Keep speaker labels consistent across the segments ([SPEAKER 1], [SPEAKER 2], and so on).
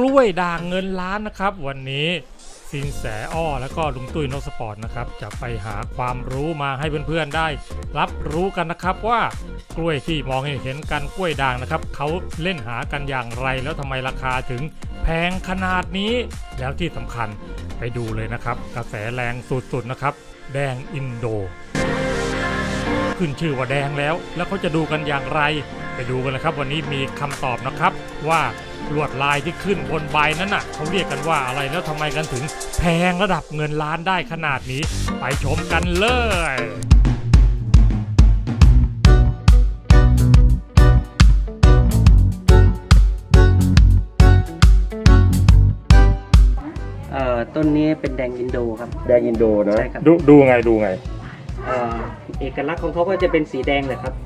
[SPEAKER 1] ล้วยด่างเงินล้านนะครับวันนี้สินแสอ้อแล้วก็ลุงตุ้ยนกสปอร์ตนะครับจะไปหาความรู้มาให้เพื่อนๆได้รับรู้กันนะครับว่ากล้วยที่มองเห็นกันกล้วยด่างนะครับเขาเล่นหากันอย่างไรแล้วทำไมราคาถึงแพงขนาดนี้แล้วที่สำคัญไปดูเลยนะครับกระแสแรงสุดๆนะครับแดงอินโดขึ้นชื่อว่าแดงแล้วเขาจะดูกันอย่างไรไปดูกันเลยครับวันนี้มีคำตอบนะครับว่าลวดลายที่ขึ้นบนใบนั้นน่ะเขาเรียกกันว่าอะไรแล้วทำไมกันถึงแพงระดับเงินล้านได้ขนาดนี้ไปชมกันเลย
[SPEAKER 2] ต้นนี้เป็นแดงอินโดครับ
[SPEAKER 3] แดงอินโดนะ
[SPEAKER 2] ใช่ครับ
[SPEAKER 1] ดูไง
[SPEAKER 2] เอกลักษณ์ของเขาก็จะเป็นสีแดงเลยครับ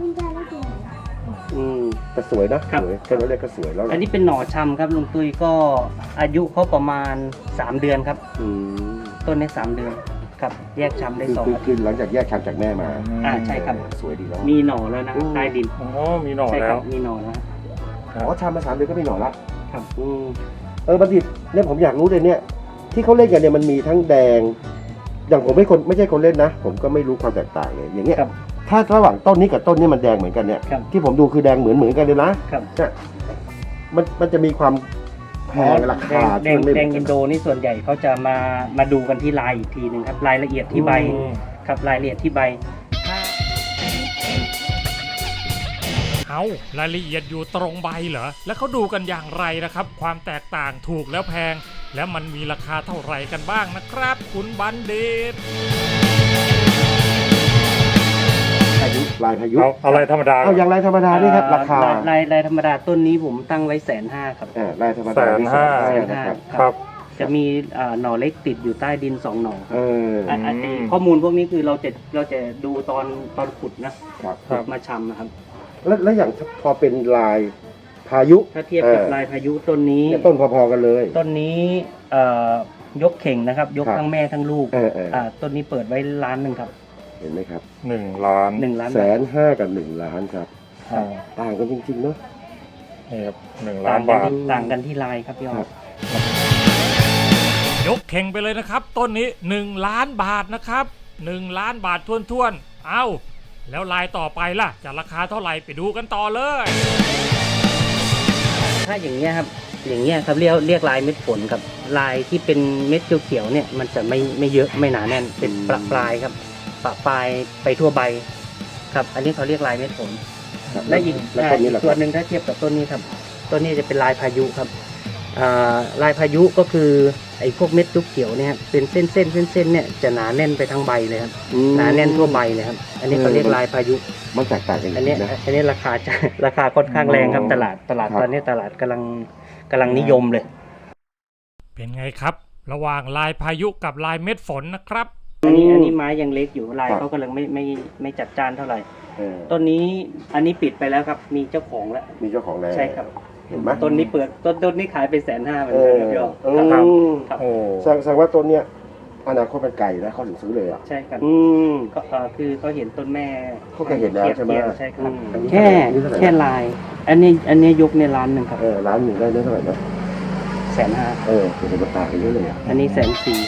[SPEAKER 3] แต่สวยนะครับสวยต้นเล็กก็สวยแล้ว
[SPEAKER 2] อันนี้เป็นหน่อชำครับลุงตุ้ยก็อายุเขาประมาณ3 เดือนครับต้นนี้3 เดือนครับแยกชำได้2 อาทิตย์
[SPEAKER 3] คือหลังจากแยกชำจากแม่มา
[SPEAKER 2] ใช่ครับ
[SPEAKER 3] สวยดีแล้ว
[SPEAKER 2] มีหน่อแล้วนะใต้ดิน
[SPEAKER 1] มีหน่อแล้ว
[SPEAKER 2] มีหน่อแล้ว
[SPEAKER 3] ชำมา3 เดือนก็มีหน่อแล้วครับบัณฑิตเนี่ยผมอยากรู้เลยเนี่ยที่เขาเล่นกันเนี่ยมันมีทั้งแดงอย่างผมไม่ใช่คนเล่นนะผมก็ไม่รู้ความแตกต่างเลยอย่างเงี้ยถ้าระหว่างต้นนี้กับต้นนี้มันแดงเหมือนกันเนี่ยที่ผมดูคือแดงเหมือนกันเลยนะเนี่ยมันจะมีความแพงราคา
[SPEAKER 2] แดงอินโดนี่ส่วนใหญ่เขาจะมาดูกันที่ลายอีกทีหนึ่งครับรายละเอียดที่ใบครับรายละเอียดที่ใบ
[SPEAKER 1] เอารายละเอียดอยู่ตรงใบเหรอแล้วเขาดูกันอย่างไรนะครับความแตกต่างถูกแล้วแพงแล้วมันมีราคาเท่าไหร่กันบ้างนะครับคุณบัณฑิต
[SPEAKER 3] ลายพายุ
[SPEAKER 1] เอาลายธรรมดา
[SPEAKER 3] เอาอย่างลายธรรมดานี่ครับราคา
[SPEAKER 2] ลายธรรมดาต้นนี้ผมตั้งไว้150,000ครับ
[SPEAKER 3] ลายธรรมดา
[SPEAKER 2] 150,000ครับจะมีหน่อเล็กติดอยู่ใต้ดิน2 หน่อข้อมูลพวกนี้คือเราจะดูตอนขุดนะครับมาชำนะครับ
[SPEAKER 3] แล้วอย่างพอเป็นลายพายุ
[SPEAKER 2] ถ้าเทียบกับลายพายุต้นนี้
[SPEAKER 3] ต้นพอๆกันเลย
[SPEAKER 2] ต้นนี้ยกเข่งนะครับยกทั้งแม่ทั้งลูกต้นนี้เปิดไว้1 ล้านครับ
[SPEAKER 3] เห็นไหมครับ
[SPEAKER 1] 1 ล้าน
[SPEAKER 3] 1,500,000กับ1 ล้านครับต่างกันจริงๆเนาะ
[SPEAKER 1] นี่ครับ1 ล้านบาท
[SPEAKER 2] ต่างกันที่ลายครับพี่อ๋
[SPEAKER 1] อยกเข่งไปเลยนะครับต้นนี้1 ล้านบาทนะครับ1 ล้านบาทท้วนๆเอาแล้วลายต่อไปล่ะจะราคาเท่าไหร่ไปดูกันต่อเลย
[SPEAKER 2] ถ้าอย่างเงี้ยครับอย่างเงี้ยครับเรียกลายเม็ดฝนครับลายที่เป็นเม็ดเขียวๆเนี่ยมันจะไม่เยอะไม่หนาแน่นเป็นประปลายครับประปลายไปทั่วใบครับอันนี้เขาเรียกลายเม็ดฝนและอีกตัวหนึ่งถ้าเทียบกับต้นนี้ครับต้นนี้จะเป็นลายพายุครับลายพายุก็คือไอ้พวกเม็ดเขียวเนี่ยเป็นเส้นเนี่ยจะหนาแน่นไปทั้งใบเลยครับหนาแน่นทั่วใบเลยครับอันนี้เขาเรียกลายพายุ
[SPEAKER 3] มันแตกต่างกัน
[SPEAKER 2] อันนี้ราคาค่อนข้างแรงครับตลาดตอนนี้ตลาดกำลังนิยมเลย
[SPEAKER 1] เป็นไงครับระหว่างลายพายุกับลายเม็ดฝนนะครับ
[SPEAKER 2] อันนี้ไม้ยังเล็กอยู่ลายเขากำลังไม่จัดจ้านเท่าไหร่ต้นนี้อันนี้ปิดไปแล้วครับมีเจ้าของแล้วใช่ครับ
[SPEAKER 3] เห็นไหม
[SPEAKER 2] ต้นนี้เปิดต้นนี้ขายไป150,000เหมือนกันครับพี่อ๋อครับ
[SPEAKER 3] แสดงว่าต้นเนี้ยอนาคตเป็นไก่แล้วเขาถึงซื้อเลยอ่ะ
[SPEAKER 2] ใช่ครับก็คือเขาเห็นต้นแม่
[SPEAKER 3] เขาก็เห็นแล้วใช่ไหม
[SPEAKER 2] ใช่ครับแค่ลายอันนี้ยกใน1 ล้านครับ
[SPEAKER 3] 1 ล้านได้เท่าไหร่นะ
[SPEAKER 2] 150,000
[SPEAKER 3] เป็นราคาไปเยอะเลยอ่ะ
[SPEAKER 2] อันนี้140,000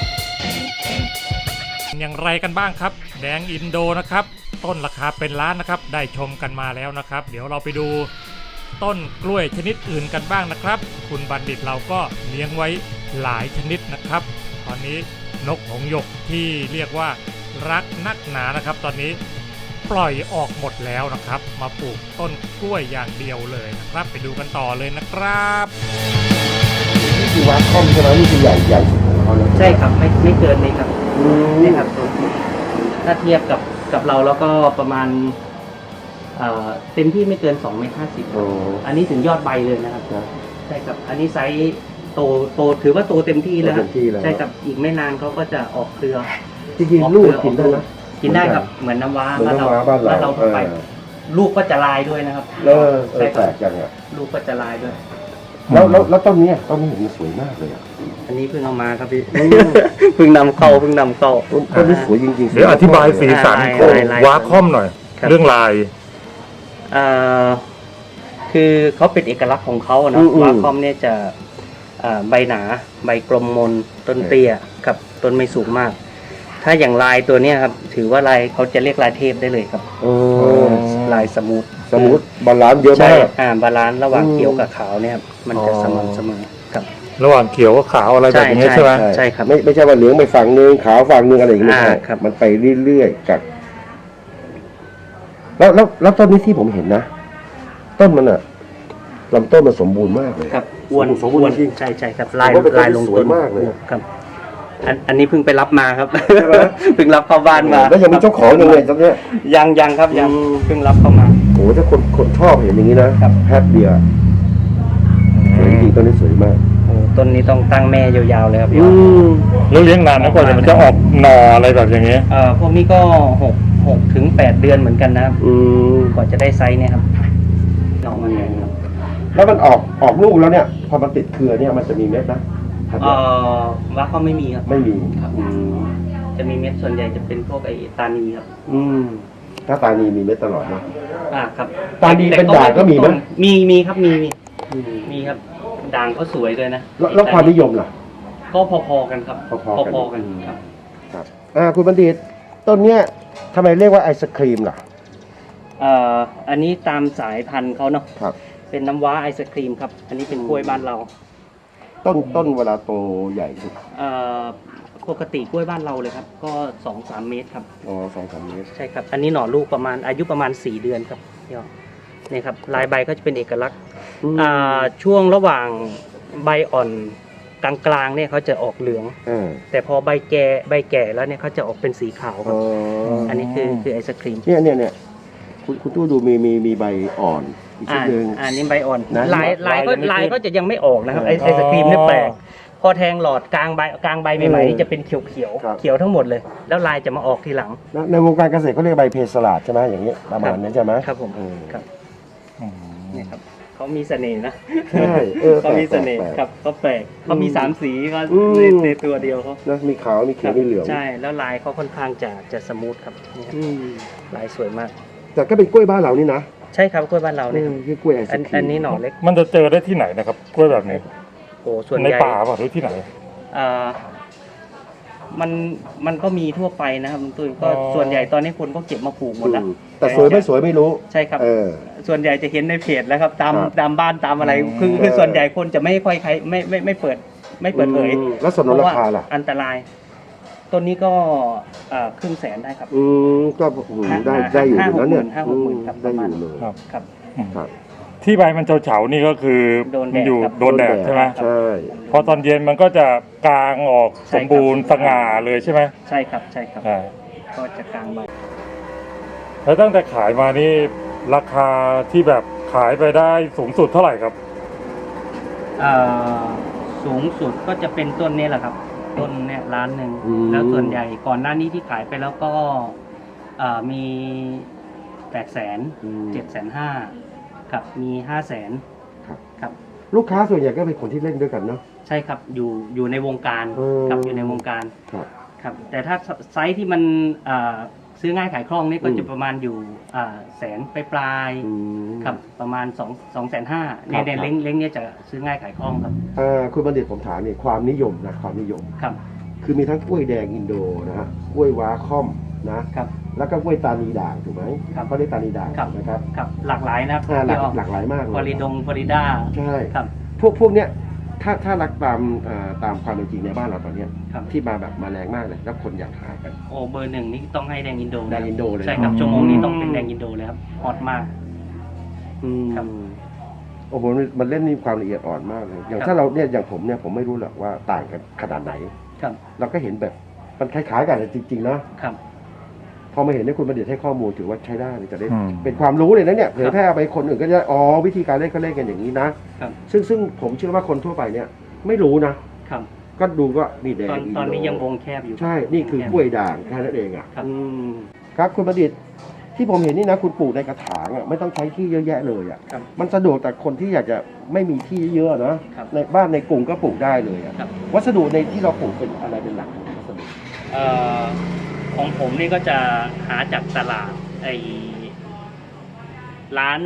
[SPEAKER 1] อย่างไรกันบ้างครับแดงอินโดนะครับต้นราคาเป็นล้านนะครับได้ชมกันมาแล้วนะครับเดี๋ยวเราไปดูต้นกล้วยชนิดอื่นกันบ้างนะครับคุณบัณฑิตเราก็เลี้ยงไว้หลายชนิดนะครับตอนนี้นกหงส์หยกที่เรียกว่ารักนักหนานะครับตอนนี้ปล่อยออกหมดแล้วนะครับมาปลูกต้นกล้วยอย่างเดียวเลยนะครับไปดูกันต่อเลยนะครับ
[SPEAKER 3] นี่คือวัดค่อมใช่ไหมนี่คือใหญ่ของเขาแล้ว
[SPEAKER 2] ใช่ครับไม่เกินนี้ครับนี่ครับถ้าเทียบกับเราแล้วก็ประมาณเต็มที่ไม่เกิน2.50 เมตรอันนี้ถึงยอดใบเลยนะครับใช่ครับอันนี้ไซส์โตถือว่าโตเต็มที่แล้วใช่ครับอีกไม่นานเขาก็จะออกเครือ
[SPEAKER 3] จริงๆลูกกินได้นะ
[SPEAKER 2] กินได้ครับเหมือนน้ำว้าบ้านเราไปลูกก็จะลายด้วยนะครับ
[SPEAKER 3] ใช่แปลกจังอ่ะ
[SPEAKER 2] ลูกก็จะลายด้วย
[SPEAKER 3] แล้วต้นนี้มันสวยมากเลยอ่ะ
[SPEAKER 2] อันนี้เพิ่งเอามาครับพี่เพิ่งนำเข้าต้น
[SPEAKER 3] นี้สวยจริงๆ
[SPEAKER 1] เดี๋ยวอธิบายสีสันของว้าค่อมหน่อยเรื่องลาย
[SPEAKER 2] คือเขาเป็นเอกลักษณ์ของเขาเนาะว้าค่อมเนี่ยใบหนาใบกลมมนต้นเตี้ยครับต้นไม่สูงมาก ถ้าอย่างลายตัวเนี้ยครับถือว่าลายเขาจะเรียกลายเทพได้เลยครับลายสมูท
[SPEAKER 3] บาลานซ์เยอะ
[SPEAKER 2] ใช่
[SPEAKER 3] มาก
[SPEAKER 2] บาลานซ์ระหว่างเขียวกับขาวเนี่ยครับมันจะสม่ำเสมอครับ
[SPEAKER 1] ระหว่างเขียวกับขาวอะไรแบบนี้ใช่ไหม
[SPEAKER 2] ใช่ครับ
[SPEAKER 3] ไม่ใช่ว่าเหลืองไปฝั่งนึงขาวฝั่งนึงอะไรอย่างเงี้ย
[SPEAKER 2] ครับ
[SPEAKER 3] มันไปเรื่อยๆกับแล้วต้นนี้ที่ผมเห็นนะต้นมันอะลำต้นมันสมบูรณ์มากเลย
[SPEAKER 2] ครับอ้วน
[SPEAKER 3] สมบูรณ์จริง
[SPEAKER 2] ใช่ครับลาย
[SPEAKER 3] ผมว่าเป็นต้น
[SPEAKER 2] ลายลง
[SPEAKER 3] ที่สวยมากเลย
[SPEAKER 2] ครับอันนี้เพิ่งไปรับมาครับ
[SPEAKER 3] ใช่ไหม
[SPEAKER 2] เพิ่งรับเข้าบ้านมา
[SPEAKER 3] แล้วยังมีเจ้าของยังไงตอนเนี้ย
[SPEAKER 2] ยังครับยัง
[SPEAKER 3] อืม
[SPEAKER 2] เพิ่งรับเข้ามา
[SPEAKER 3] โอ้ถ้าคนชอบเห็นอย่างนี้นะครับ แพทเดียวสวยจริงต้นนี้สวยมาก
[SPEAKER 2] โอ้ต้นนี้ต้องตั้งแม่ยาวๆเลยครับพี่
[SPEAKER 1] แล้วเลี้ยงนานนะกว่าจะมันจะออกหน่ออะไรแบบอย่างเงี้ย
[SPEAKER 2] พวกนี้ก็6 ถึง 8 เดือนเหมือนกันนะครับ กว่าจะได้ไซส์เนี่ยครับลองมาแทนครับ
[SPEAKER 3] แล้วมันออกลูกแล้วเนี่ย พอมันติดเครือเนี่ยมันจะมีเม็ดนะพันธุ์
[SPEAKER 2] ว่าเขาไม่มีครับ
[SPEAKER 3] ไม่มี
[SPEAKER 2] ครับจะมีเม็ดส่วนใหญ่จะเป็นพวกไอ้ตานีครับ
[SPEAKER 3] ถ้าตานีมีเม็ดตลอดนะ
[SPEAKER 2] ครับ
[SPEAKER 3] ตานีเป็นด่างก็มีไหม
[SPEAKER 2] มีครับมีครับด่างเขาสวยเลยนะ
[SPEAKER 3] แล้วความนิยมล่ะ
[SPEAKER 2] ก็พอๆกันครับ
[SPEAKER 3] พอๆกัน
[SPEAKER 2] ครับ
[SPEAKER 3] ครับคุณบัณฑิตต้นเนี้ยทำไมเรียกว่าไอศครีมล่ะ
[SPEAKER 2] อันนี้ตามสายพันธุ์เขาเนาะ
[SPEAKER 3] ครับ
[SPEAKER 2] เป็นน้ำว้าไอศครีมครับ อันนี้เป็นกล้วยบ้านเรา
[SPEAKER 3] ต้นเวลาโตใหญ่สุด
[SPEAKER 2] ปกติกล้วยบ้านเราเลยครับ ก็ 2-3 เมตรครับ
[SPEAKER 3] 2-3 เมตร
[SPEAKER 2] ใช่ครับ อันนี้หน่อลูกอายุประมาณ 4 เดือนครับพี่อ๋อนี่ครับลายใบก็จะเป็นเอกลักษณ์ช่วงระหว่างใบอ่อนกลางๆเนี่ยเขาจะออกเหลือง แต่พอใบแก่แล้วเนี่ยเขาจะออกเป็นสีขาวครับอันนี้คือไอศครีม
[SPEAKER 3] เนี่ยคุณตู้ดูมีใบอ่อนอีกชิ้นหนึ่ง
[SPEAKER 2] อันนี้ใบอ่อน
[SPEAKER 3] นะ
[SPEAKER 2] ลายก็จะยังไม่ออกนะครับไอศครีมเนี่ยแปลกพอแทงหลอดกลางใบใหม่ๆนี่จะเป็นเขียวทั้งหมดเลย แล้วลายจะมาออกทีหลัง
[SPEAKER 3] ในวงการเกษตรเขาเรียกใบเพสลาดใช่ไหมอย่างนี้ประมาณนั้นใช่ไหม
[SPEAKER 2] ครับผมครับนี่ครับเขามีเสน่ห์นะ
[SPEAKER 3] ใช่
[SPEAKER 2] เขามีเสน่ห์ครับเขาแปลกเขามี3 สีก็ในตัวเดียวเขา
[SPEAKER 3] นะมีขาวมีเขียวมีเหลือง
[SPEAKER 2] ใช่แล้วลายเขาค่อนข้างจะสมูทครับนี่ครับลายสวยมาก
[SPEAKER 3] แต่ก็เป็นกล้วยบ้านเรานี่นะ
[SPEAKER 2] ใช่ครับกล้วยบ้านเราเนี่ย
[SPEAKER 3] คือกล้วยไอศครีม
[SPEAKER 2] อันนี้หน่อเล็ก
[SPEAKER 1] มันจะเจอได้ที่ไหนนะครับกล้วยแบบนี้
[SPEAKER 2] โอ้ส่วน
[SPEAKER 1] ใน
[SPEAKER 2] ใหญ่
[SPEAKER 1] ป่าป่ะหรือที่ไหน
[SPEAKER 2] มันก็มีทั่วไปนะครับลุงตุ้ยก็ส่วนใหญ่ตอนนี้คนก็เก็บมาปลูกหมดแล้ว
[SPEAKER 3] แต่สวยไม่สวยไม่รู้
[SPEAKER 2] ใช่ครับส่วนใหญ่จะเห็นในเพจแล้วครับตามบ้านตามอะไรคือส่วนใหญ่คนจะไม่ค่อยใครไม่เปิดเผย
[SPEAKER 3] แล้วส่วนลดราคาล่ะ
[SPEAKER 2] อันตรายต้นนี้ก็500,000ได้ครับ
[SPEAKER 3] ก็ได้อยู่นะเนี่ย
[SPEAKER 2] 50,000ครับ
[SPEAKER 3] ได้อยู่เลย
[SPEAKER 2] ครับ
[SPEAKER 1] ที่ใบมันเฉาๆนี่ก็คือ
[SPEAKER 2] โดนแดด
[SPEAKER 1] อยู่
[SPEAKER 2] ครับ
[SPEAKER 1] โดนแดดใช่ไหม
[SPEAKER 3] ใช่
[SPEAKER 1] พอตอนเย็นมันก็จะกลางออก
[SPEAKER 2] ใช่
[SPEAKER 1] ส
[SPEAKER 2] ครับ
[SPEAKER 1] มบูรณ์สง่าเลยใช่ไหม
[SPEAKER 2] ใช่ครับ
[SPEAKER 1] อ่า
[SPEAKER 2] ก็จะกลางใบ
[SPEAKER 1] แล้วตั้งแต่ขายมานี่ราคาที่แบบขายไปได้สูงสุดเท่าไหร่ครับ
[SPEAKER 2] สูงสุดก็จะเป็นต้นนี้แหละครับ ต้นเนี่ย1,000,000แล้วส่วนใหญ่ก่อนหน้านี้ที่ขายไปแล้วก็มี800,000 750,000ครับมี500,000ครับ
[SPEAKER 3] ลูกค้าส่วนใหญ่ก็เป็นคนที่เล่นด้วยกันเนาะ
[SPEAKER 2] ใช่ครับอยู่ในวงการครับอยู่ในวงการ ครับแต่ถ้าไซส์ที่มันซื้อง่ายขายคล่องนี่ก็จะประมาณอยู่แสนปลายครับประมาณ250,000ในเล้งเนี่ยจะซื้อง่ายขายคล่องครับ
[SPEAKER 3] คุณบัณฑิตผมถามเนี่ยความนิยมนะความนิยม
[SPEAKER 2] ครับ
[SPEAKER 3] คือมีทั้งกล้วยแดงอินโดนะฮะกล้วยว้าค่อมนะครับ แล้วก็กล้วยตานีด่างถูกไหม
[SPEAKER 2] ครับ
[SPEAKER 3] เขาเรียกตานีด่างนะครับ
[SPEAKER 2] ครับหลากหลายนะครับ
[SPEAKER 3] หลากหลายมากเลย
[SPEAKER 2] ฟลอริดา
[SPEAKER 3] ใช่
[SPEAKER 2] ครับ
[SPEAKER 3] พวกเนี้ยถ้ารักตามความเป็นจริงในบ้านเราตอนเนี้ย
[SPEAKER 2] ครับ
[SPEAKER 3] ที่มาแรงมากเลยแล้วคนอยากหากัน
[SPEAKER 2] โอ้เบอร์ 1นี่ต้องให้แดงอินโด
[SPEAKER 3] แดงอินโดเลย
[SPEAKER 2] ใช่ครับชั่วโมงนี้ต้องเป็นแดงอินโดเลยครับฮอตมาก ครับ
[SPEAKER 3] โอ้โหมันเล่นมีความละเอียดอ่อนมากเลยอย่าง
[SPEAKER 2] ครับ
[SPEAKER 3] ถ้าเราเนี่ยอย่างผมเนี่ยผมไม่รู้หรอกว่าต่างกันขนาดไหน
[SPEAKER 2] ครับ
[SPEAKER 3] เราก็เห็นแบบมันคล้ายๆกันจริงๆนะครับ พอมาเห็นเนี่ยคุณบัณฑิตให้ข้อมูลถือว่าใช้ได้เลยจะได้ เป็นความรู้เลยนะเนี่ยเผยแพร่ไปคนอื่นก็จะวิธีการเล่นก็เล่นกันอย่างนี้นะครับ ซึ่งผมเชื่อว่าคนทั่วไปเนี่ยไม่รู้นะครับ ก็ดูก็นี่แดง
[SPEAKER 2] ตอนนี้ยังวงแคบอยู่
[SPEAKER 3] ใช่นี่คือกล้วยด่างแค่นั้นเองอ่ะ
[SPEAKER 2] ครับ
[SPEAKER 3] ครับคุณบัณฑิตที่ผมเห็นนี่นะคุณปลูกในกระถางอ่ะไม่ต้องใช้ที่เยอะแยะเลยอ่ะ
[SPEAKER 2] ครับ
[SPEAKER 3] มันสะดวกแต่คนที่อยากจะไม่มีที่เยอะนะครับ ในบ้านในกรุงก็ปลูกได้เลยอ่ะ
[SPEAKER 2] ครับ
[SPEAKER 3] วัสดุในที่เราปลูกเป็นอะไรเป็นหลักวัสดุ
[SPEAKER 2] ของผมนี่ก็จะหาจากตลาดร้าน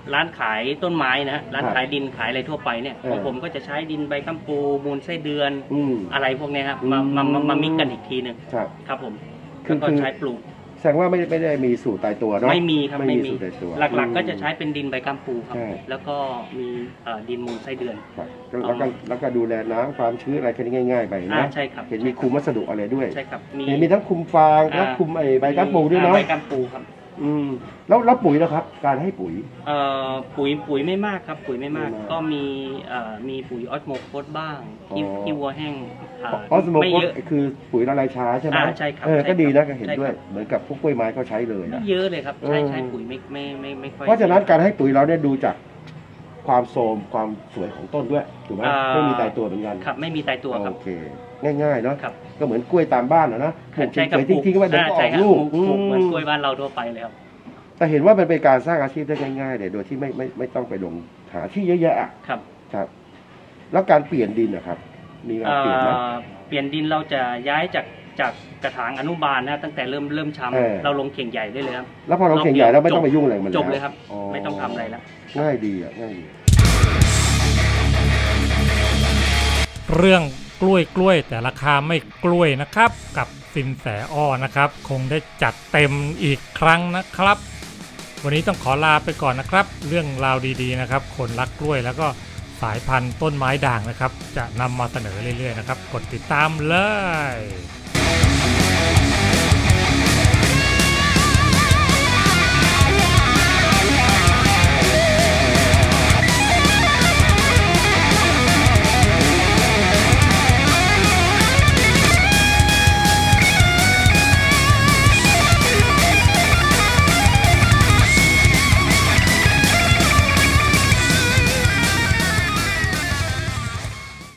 [SPEAKER 2] ร้านขายต้นไม้นะฮะร้าน
[SPEAKER 3] ครับ
[SPEAKER 2] ขายดินขายอะไรทั่วไปเนี่ยของผมก็จะใช้ดินใบกัมปูมูลไส้เดือน
[SPEAKER 3] อืม
[SPEAKER 2] อะไรพวกเนี้ยครับ
[SPEAKER 3] อืม
[SPEAKER 2] มามิกกันอีกทีหนึ่ง
[SPEAKER 3] ครับ
[SPEAKER 2] ครับผม
[SPEAKER 3] คือ
[SPEAKER 2] แล้วก็ใช้ปลูก
[SPEAKER 3] แสดงว่าไม่ได้มีสูตรตายตัวเนาะ
[SPEAKER 2] ไม่มีครับ
[SPEAKER 3] ไม่มีสูตรตายตัว
[SPEAKER 2] หลักๆ ก็จะใช้เป็นดินใบกัมปูครับ
[SPEAKER 3] ใช่
[SPEAKER 2] แล้วก็มีดินมูลไส้เดือน
[SPEAKER 3] ครับแล้วก็ดูแลน้ำความชื้นอะไรแค่นี้ง่ายๆไปนะ
[SPEAKER 2] ใช่ครับ
[SPEAKER 3] เห็นมีคุมวัสดุอะไรด้วย
[SPEAKER 2] ใช่ครับ
[SPEAKER 3] เห็นมีทั้งคุมฟางและคุมไอ้ใบกัมปูด้วยเนาะ
[SPEAKER 2] ใบกัมปูครับ
[SPEAKER 3] อืมแล้วปุ๋ยนะครับ การให้ปุ๋ย
[SPEAKER 2] ปุ๋ยไม่มากครับปุ๋ยไม่มาก
[SPEAKER 3] ไม่มาก
[SPEAKER 2] ก็มีปุ๋ยออสโมโคสบ้างที่
[SPEAKER 3] อ๋อ
[SPEAKER 2] ที่วัวแห้ง
[SPEAKER 3] ออสโม
[SPEAKER 2] ไม่
[SPEAKER 3] โคส
[SPEAKER 2] เยอะ
[SPEAKER 3] คือปุ๋ยละลายช้าใช่ไหม
[SPEAKER 2] ใช่ครับ
[SPEAKER 3] เออ
[SPEAKER 2] ใช่
[SPEAKER 3] ก็ดีนะก็
[SPEAKER 2] ครับ
[SPEAKER 3] เห็น
[SPEAKER 2] ใช่
[SPEAKER 3] ด้วย
[SPEAKER 2] ครับ
[SPEAKER 3] เหมือนกับพวกกล้วยไม้เขาใช้เลย
[SPEAKER 2] ไม่
[SPEAKER 3] นะ
[SPEAKER 2] เยอะเลยครับ
[SPEAKER 3] เออ
[SPEAKER 2] ใช้ปุ๋ยไม่ค่อย
[SPEAKER 3] เพราะฉะนั้นการให้ปุ๋ยเราเนี่ยดูจากความโทรมความสวยของต้นด้วยถูกไหมไม่มีตายตัวเหมือนกัน
[SPEAKER 2] ครับไม่มีตายตัวครับ
[SPEAKER 3] โอเค ง่ายๆเนาะ
[SPEAKER 2] ครับ
[SPEAKER 3] ก็เหมือนกล้วยตามบ้านนะปลูก
[SPEAKER 2] ใช่ครับ
[SPEAKER 3] เฉยๆทิ้งๆไว้เดี๋ยวก็อ
[SPEAKER 2] ใช่
[SPEAKER 3] อก
[SPEAKER 2] ครับ
[SPEAKER 3] ลูก
[SPEAKER 2] ปลูกเหมือนกล้วยบ้านเราทั่วไปเลยครับ
[SPEAKER 3] แต่เห็นว่ามันเป็นการสร้างอาชีพได้ง่ายๆเลยโดยที่ไม่ต้องไปลงหาที่เยอะแยะอะ
[SPEAKER 2] ครับ
[SPEAKER 3] ครับ แล้วการเปลี่ยนดินนะครับ มีการเปลี่ยนไหม
[SPEAKER 2] เปลี่ยนดินเราจะย้ายจากกระถางอนุบาลนะตั้งแต่เริ่ม
[SPEAKER 3] เออ
[SPEAKER 2] ช้ำเราลงเข่งใหญ่ได้เลยครับ
[SPEAKER 3] แล้วพอเราเข่งใหญ่แล้วไม่ต้องไปยุ่งอะไรมัน
[SPEAKER 2] จบเลยครับ
[SPEAKER 3] อ๋อ
[SPEAKER 2] ไม่ต้องทำอะไรแล้ว
[SPEAKER 3] ง่ายดีอ่ะง่ายดี
[SPEAKER 1] เรื่องกล้วยแต่ราคาไม่กล้วยนะครับกับสินแสอ้อนะครับคงได้จัดเต็มอีกครั้งนะครับ วันนี้ต้องขอลาไปก่อนนะครับ เรื่องราวดีๆนะครับคนรักกล้วยแล้วก็สายพันธุ์ต้นไม้ด่างนะครับจะนำมาเสนอเรื่อยๆนะครับกดติดตามเลย